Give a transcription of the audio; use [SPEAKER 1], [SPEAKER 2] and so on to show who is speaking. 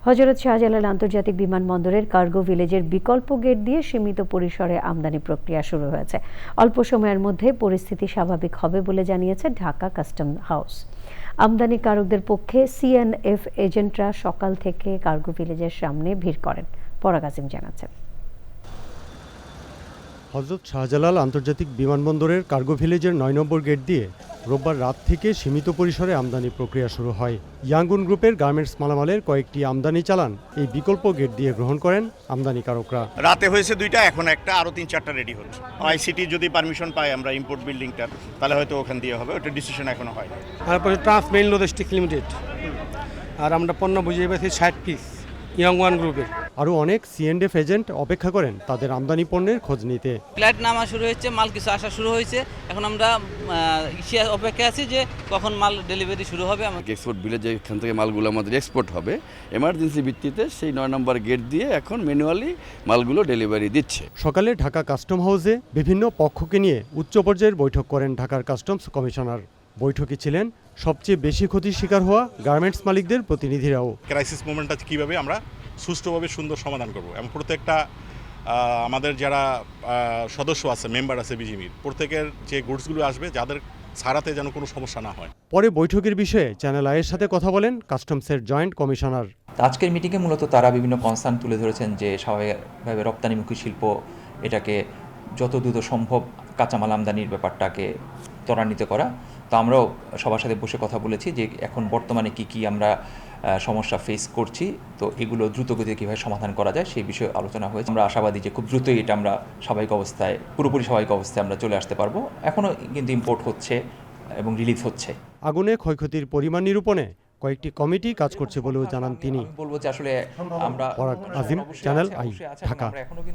[SPEAKER 1] হযরত শাহজালাল আন্তর্জাতিক বিমানবন্দরের কার্গো ভিলেজের বিকল্প গেট দিয়ে সীমিত পরিসরে আমদানি প্রক্রিয়া শুরু হয়েছে। অল্প সময়ের মধ্যে পরিস্থিতি স্বাভাবিক হবে বলে জানিয়েছে ঢাকা কাস্টম হাউস। আমদানিকারকদের পক্ষে সিএনএফ এজেন্টরা সকাল থেকে কার্গো ভিলেজের সামনে ভিড় করেন। পরাগ আসিম জানাচ্ছেন।
[SPEAKER 2] হযরত শাহজালাল আন্তর্জাতিক বিমানবন্দরের কার্গো ভিলেজের ৯ নম্বর গেট দিয়ে রোববার রাত থেকে সীমিত পরিসরে আমদানি প্রক্রিয়া শুরু হয়। ইয়াঙ্গুন গ্রুপের গার্মেন্টস মালামালের কয়েকটি আমদানি চালান এই বিকল্প গেট দিয়ে গ্রহণ করেন আমদানিকারকরা।
[SPEAKER 3] রাতে হয়েছে ২টা, এখন একটা, আরও ৩-৪টা রেডি হচ্ছে। আইসিটি যদি পারমিশন পাই আমরা ইম্পোর্ট বিল্ডিংটার, তাহলে হয়তো ওখান দিয়ে হবে, ওটা ডিসিশন এখনো হয়।
[SPEAKER 4] তারপরে ট্রান্সমেইন লজিস্টিক লিমিটেড, আর আমরা পণ্য বুঝিয়ে পেয়েছি ৬০ পিস ইয়াংওয়ান গ্রুপের।
[SPEAKER 2] আরও অনেক সিএনএফ এজেন্ট অপেক্ষা করেন তাদের আমদানি পণ্যের খোঁজ নিতে।
[SPEAKER 5] ফ্লাইট নামা শুরু হয়েছে, মাল কিছু আসা শুরু হয়েছে। এখন আমরা অপেক্ষা আছি যে কখন মাল ডেলিভারি শুরু হবে।
[SPEAKER 6] এক্সপোর্ট ভিলেজে এখান থেকে মালগুলো আমাদের এক্সপোর্ট হবে। এমার্জেন্সি ভিত্তিতে সেই ৯ নম্বর গেট দিয়ে এখন ম্যানুয়ালি মালগুলো ডেলিভারি দিচ্ছে।
[SPEAKER 2] সকালে ঢাকা কাস্টম হাউসে বিভিন্ন পক্ষকে নিয়ে উচ্চ পর্যায়ের বৈঠক করেন ঢাকার কাস্টমস কমিশনার। বৈঠকে ছিলেন সবচেয়ে বেশি ক্ষতির শিকার হওয়া গার্মেন্টস মালিকদের প্রতিনিধিরাও।
[SPEAKER 7] ক্রাইসিস মোমেন্টটা কীভাবে আমরা সুষ্ঠুভাবে সুন্দর সমাধান করব এবং প্রত্যেকটা আমাদের যারা সদস্য আছে, মেম্বার আছে বিজিবির, প্রত্যেকের যে গুডসগুলো আসবে যাদের ছাড়াতে যেন কোনো সমস্যা না হয়।
[SPEAKER 2] পরে বৈঠকের বিষয়ে চ্যানেল আইয়ের সাথে কথা বলেন কাস্টমসের জয়েন্ট কমিশনার।
[SPEAKER 8] আজকের মিটিংয়ে মূলত তারা বিভিন্ন কনসার্ন তুলে ধরেছেন যে স্বাভাবিকভাবে রপ্তানিমুখী শিল্প এটাকে যত দ্রুত সম্ভব কাঁচামাল আমদানির ব্যাপারটাকে ত্বরান্বিত করা। তো আমরাও সবার সাথে বসে কথা বলেছি যে এখন বর্তমানে কি আমরা সমস্যা ফেস করছি, তো এগুলো দ্রুতগতিতে কীভাবে সমাধান করা যায় সেই বিষয়ে আলোচনা হয়েছে। আমরা আশাবাদী যে খুব দ্রুতই এটা আমরা পুরোপুরি স্বাভাবিক অবস্থায় আমরা চলে আসতে পারবো। এখনও কিন্তু ইম্পোর্ট হচ্ছে এবং রিলিজ হচ্ছে।
[SPEAKER 2] আগুনে ক্ষয়ক্ষতির পরিমাণ নিরূপণে কয়েকটি কমিটি কাজ করছে বলেও জানান তিনি।
[SPEAKER 8] বলবো যে আসলে আমরা
[SPEAKER 2] পরাগ আজিম, চ্যানেল আই, ঢাকা।